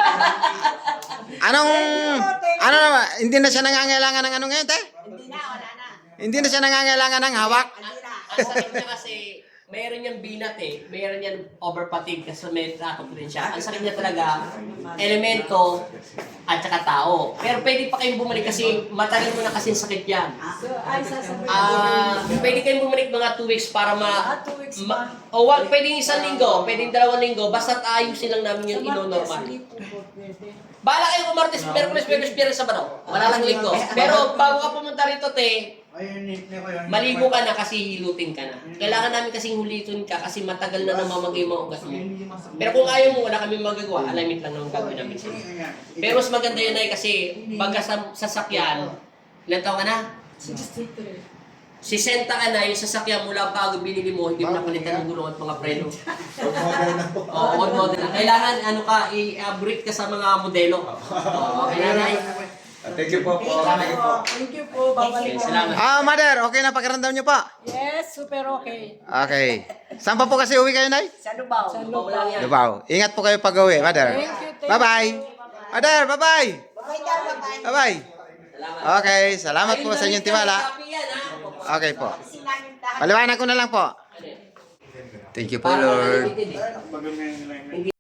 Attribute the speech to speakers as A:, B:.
A: Anong, ano, hindi na siya nangangailangan ng ano ngayon, te?
B: Hindi na, wala na.
A: Hindi na siya nangangailangan ng hawak.
B: Hindi na.
C: Ang sakit niya kasi, mayroon niyang binat eh. Mayroon niyang overfatigue kasi may trato din siya. Ang sakit niya talaga, elemento at saka tao. Pero pwede pa kayong bumalik kasi matagal mo na kasi sakit yan.
D: So, ay, sasabihin.
C: Pwede kayong bumalik mga 2 weeks para
D: 2 weeks ba?
C: pwedeng 1 linggo, pwedeng 2 linggo, basta ayusin lang namin yung ino-normal.
D: Sige po po, pwede.
C: Bahala kayo kung Martes, Merkules, Biyernes, Biyernes, Sabado. Wala lang linggo. Pero bago ka pumunta rito, te, maligo ka na kasi hilutin ka na. Kailangan namin kasing hulitin ka kasi matagal na namamagay yung mga ugat mo. Pero kung ayaw mo, wala kami magagawa, alamit lang naman gagawin namin sa'yo. Pero mas maganda yun ay kasi baga sa sasakyan, ilan taon ka na?
D: 63.
C: 60 ka na, yung sasakyan mula bago binili mo, hindi mo napalitan ng gulong at mga preno. Oo, old model na. Kailangan i-upgrade ka sa mga modelo. Kailangan
E: Thank you po.
D: Thank you po. Babalik
C: Okay,
D: po.
C: salamat.
A: Mother, okay na pakiramdam niyo po?
D: Yes, super okay.
A: Okay. Saan pa po kasi uwi kayo, Nay?
B: Sa Lubao.
D: Sa
C: Lubao lang yan.
A: Lubao. Ingat po kayo pag-uwi, Mother.
D: Thank you, thank
A: Bye-bye.
D: you.
A: Mother, bye-bye.
B: Babay daw, babay.
A: Bye-bye.
C: Salamat.
A: Okay, salamat po sa inyong tiwala. Okay po.
B: Kasi namin tahan.
A: Paliwanag ko na lang po. Thank you po, Lord.
C: Lord.